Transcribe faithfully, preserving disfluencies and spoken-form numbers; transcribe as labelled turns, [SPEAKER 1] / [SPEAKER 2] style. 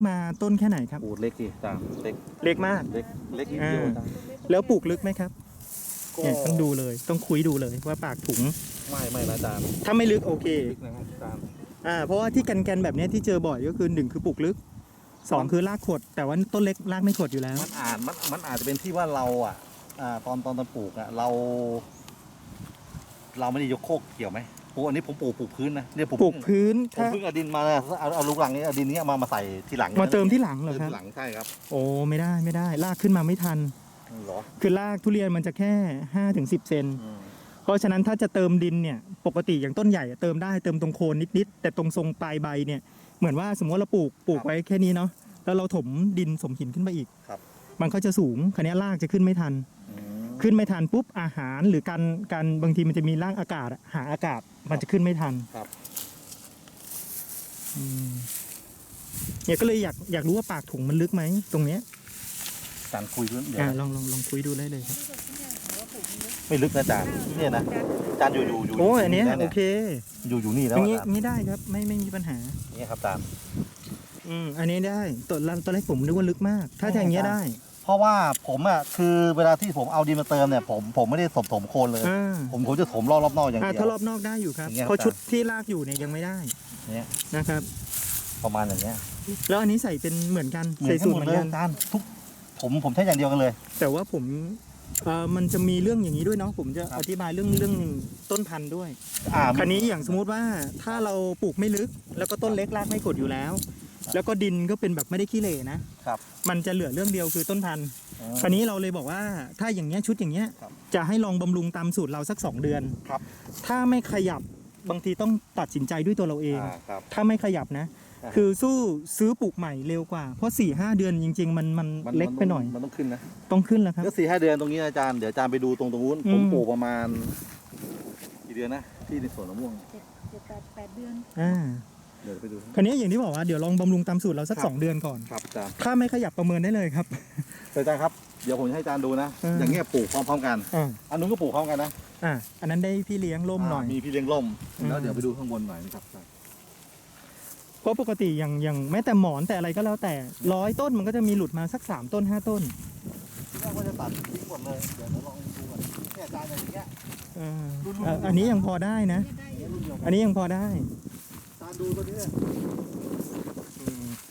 [SPEAKER 1] มาต้นแค่ไหนครับ
[SPEAKER 2] โอ้เล็กสิจานเล็ก
[SPEAKER 1] เล็กมาก
[SPEAKER 2] เล็กเล็กนิดเดียว
[SPEAKER 1] อ่า
[SPEAKER 2] จาน
[SPEAKER 1] แล้วปลูกลึกไหมครับ
[SPEAKER 2] ก็
[SPEAKER 1] เนี่ยต้องดูเลยต้องคุยดูเลยว่าปากถุง
[SPEAKER 2] ไม่ไม่นะจาน
[SPEAKER 1] ถ้าไม่ลึกโอเค
[SPEAKER 2] ลึกนะครับจาน
[SPEAKER 1] อ่าเพราะว่าที่แกนๆแบบเนี้ยที่เจอบ่อยก็คือหนึ่งคือปลูกลึกสองคือรากขด แต่ว่าต้นเล็กรากไม่ขดอยู่แล้ว
[SPEAKER 2] มันอาจมันมันอาจจะเป็นที่ว่าเราอ่ะอ่าตอนตอนตอนปลูกอ่ะเรา เราไม่ได้ยกโคกเกี่ยวไหมโอ้อันนี้ผมปลูกปลูกพื้นนะเนี่ยผม
[SPEAKER 1] ปลูกพื้น
[SPEAKER 2] ผม
[SPEAKER 1] ถ้า
[SPEAKER 2] เพิ่งเอาดินมาเนี่ยเอาเอาลูกหลังนี้เอาดินนี้มามาใส่ทีหลัง
[SPEAKER 1] มาเติมที่หลังเหรอ
[SPEAKER 2] เติม
[SPEAKER 1] ครับ
[SPEAKER 2] ทีหลังใช่ครับ
[SPEAKER 1] โอ้ไม่ได้ไม่ได้รากขึ้นมาไม่ทัน
[SPEAKER 2] เหรอ
[SPEAKER 1] คือรากทุเรียนมันจะแค่ห้าถึงสิบเซน
[SPEAKER 2] อืม
[SPEAKER 1] เพราะฉะนั้นถ้าจะเติมดินเนี่ยปกติอย่างต้นใหญ่อะเติมได้เติมตรงโคนนิดๆแต่ตรงทรงปลายใบเนี่ยเหมือนว่าสมมติว่าเราปลูกปลูกไว้แค่นี้เนาะแล้วเราถมดินสมหินขึ้นไปอีก
[SPEAKER 2] ครับ
[SPEAKER 1] มันก็จะสูงคันนี้ยรากจะขึ้นไม่ทัน
[SPEAKER 2] อืม
[SPEAKER 1] ขึ้นไม่ทันปุ๊บอาหารหรือการการบางทีมันจะมีร่างอากาศอะหาอากาศมันจะขึ้นไม่ทัน
[SPEAKER 2] ครับ
[SPEAKER 1] อืมเนี่ยก็เลยอยากอยากรู้ว่าปากถุงมันลึกไหมตรงเนี้ย
[SPEAKER 2] จานคุยด้วยเดี๋ยว
[SPEAKER 1] อ่า
[SPEAKER 2] นะ
[SPEAKER 1] ลองลองลองคุยดูได้เลยครับ
[SPEAKER 2] ไม่ลึกนะจานเนี่ยนะจานอยู่อยู่อยู่
[SPEAKER 1] โอ้ยอันเนี้ย
[SPEAKER 2] แล้ว
[SPEAKER 1] โอเค
[SPEAKER 2] อยู่อยู่นี่แล้
[SPEAKER 1] อ
[SPEAKER 2] ว
[SPEAKER 1] ย่าง
[SPEAKER 2] อะ
[SPEAKER 1] งี้
[SPEAKER 2] จาน
[SPEAKER 1] งี้ได้ครับไม่ไม่มีปัญหา
[SPEAKER 2] นี่ครับจาน
[SPEAKER 1] อืมอันนี้ได้ตอนตอนแรกผมนึกว่าลึกมาก ถ้าอย่างเงี้ยได้
[SPEAKER 2] เพราะว่าผมอ่ะคือเวลาที่ผมเอาดินมาเติมเนี่ยผมผมไม่ได้ถมถมโคนเลย
[SPEAKER 1] อ่า
[SPEAKER 2] ผมผมจะถมรอบรอบนอกอย่าง
[SPEAKER 1] อ่า
[SPEAKER 2] เดีย
[SPEAKER 1] ถ้าว รอบนอกได้อยู่ครับ
[SPEAKER 2] อย่างเงี้ย
[SPEAKER 1] เพราะ
[SPEAKER 2] ครับ
[SPEAKER 1] ชุดที่ลากอยู่เนี่ยยังไม่ได้
[SPEAKER 2] เนี่ย
[SPEAKER 1] นะครับ
[SPEAKER 2] ประมาณอย่างเงี้ย
[SPEAKER 1] แล้วอันนี้ใส่เป็นเหมือนกัน
[SPEAKER 2] เหมือ
[SPEAKER 1] ใส่
[SPEAKER 2] นกัน
[SPEAKER 1] สูต
[SPEAKER 2] ห
[SPEAKER 1] ร
[SPEAKER 2] มด
[SPEAKER 1] เหมือ
[SPEAKER 2] เลย
[SPEAKER 1] นกัน
[SPEAKER 2] จานทุกผมผมใช้อย่างเดียวกันเลย
[SPEAKER 1] แต่ว่าผมเอ่อมันจะมีเรื่องอย่างนี้ด้วยเนาะผมจะ
[SPEAKER 2] ครับ
[SPEAKER 1] อธิบายเรื่องเรื่องต้นพันธุ์ด้วย
[SPEAKER 2] อ่า
[SPEAKER 1] คันนี้อย่างสมมุติว่าถ้าเราปลูกไม่ลึก แล้วก็ต้นเล็กรากไม่กดอยู่แล้ว แล้วก็ดินก็เป็นแบบไม่ได้ขี้เหร่นะครับ มันจะเหลือเรื่องเดียวคือต้นพันธุ์
[SPEAKER 2] อ๋อ
[SPEAKER 1] คันนี้เราเลยบอกว่าถ้าอย่างเงี้ยชุดอย่างเงี้ย
[SPEAKER 2] ครับ
[SPEAKER 1] จะให้ลองบำรุงตามสูตรเราสักสองเดือน
[SPEAKER 2] ครับ
[SPEAKER 1] ถ้าไม่ขยับบางทีต้องตัดสินใจด้วยตัวเราเอง
[SPEAKER 2] อ่าครับ
[SPEAKER 1] ถ้าไม่ขยับนะ
[SPEAKER 2] อ่า
[SPEAKER 1] คือสู้ซื้อปลูกใหม่เร็วกว่า เพราะ4ี่ห้าเดือนจริง ๆ มันมัน
[SPEAKER 2] มัน
[SPEAKER 1] เล็กไปหน่อย
[SPEAKER 2] มันต้องขึ้นนะ
[SPEAKER 1] ต้องขึ้นแล้วครับ
[SPEAKER 2] ก็สี่ห้าเดือนตรงนี้นะอาจารย์เดี๋ยวอาจารย์ไปดูตรงตรงนู้น
[SPEAKER 1] อืม
[SPEAKER 2] ผมปลูกประมาณกี่เดือนนะที่ในสวนมะม่วง
[SPEAKER 3] เจ็ดเจ็ดแปดแปดเดือน
[SPEAKER 1] อ่า
[SPEAKER 2] เดี๋ยวไปดู
[SPEAKER 1] คันนี้อย่างที่บอกว่าเดี๋ยวลองบำรุงตามสูตรเราสัก
[SPEAKER 2] ครับ
[SPEAKER 1] สองเดือนก่อน
[SPEAKER 2] ครับอาจารย์
[SPEAKER 1] ถ้าไม่ขยับประเมินได้เลยครับ
[SPEAKER 2] แต่อาจารย์ครับเดี๋ยวผมจะให้อาจารย์ดูนะ
[SPEAKER 1] เออ
[SPEAKER 2] อ
[SPEAKER 1] อ
[SPEAKER 2] ย่างเงี้ยปลูกพร้อมๆกัน
[SPEAKER 1] อ่า
[SPEAKER 2] อันนู้นก็ปลูกพร้อมกันนะ
[SPEAKER 1] อ่าอันนั้นได้พี่เลี้ยงร่มหน่อย
[SPEAKER 2] ามีพี่เลี้ยงร่ม
[SPEAKER 1] อืม
[SPEAKER 2] แล้วเดี๋ยวไปดูข้างบนหน่อยนะครับ
[SPEAKER 1] เพราะปกติอย่างอย่างแม้แต่หมอนแต่อะไรก็แล้วแต่ร้อยต้นมันก็จะมีหลุดมาสักสามต้นห้าต้น
[SPEAKER 2] ที่แรกว่าจะตัดทิ้งหมดเลยเดี๋ยวเราลองดูก่อนเนี่ยอาจารย์อย่างเงี้ย
[SPEAKER 1] เออเอ่ออันนี้ยังพอได้นะ
[SPEAKER 3] เนี่ยได้อยู่
[SPEAKER 2] รุ่นเดียวกั
[SPEAKER 1] อันนี้ยังพอได้
[SPEAKER 2] อาจารย์ดูตัวนี้เลย
[SPEAKER 1] อืม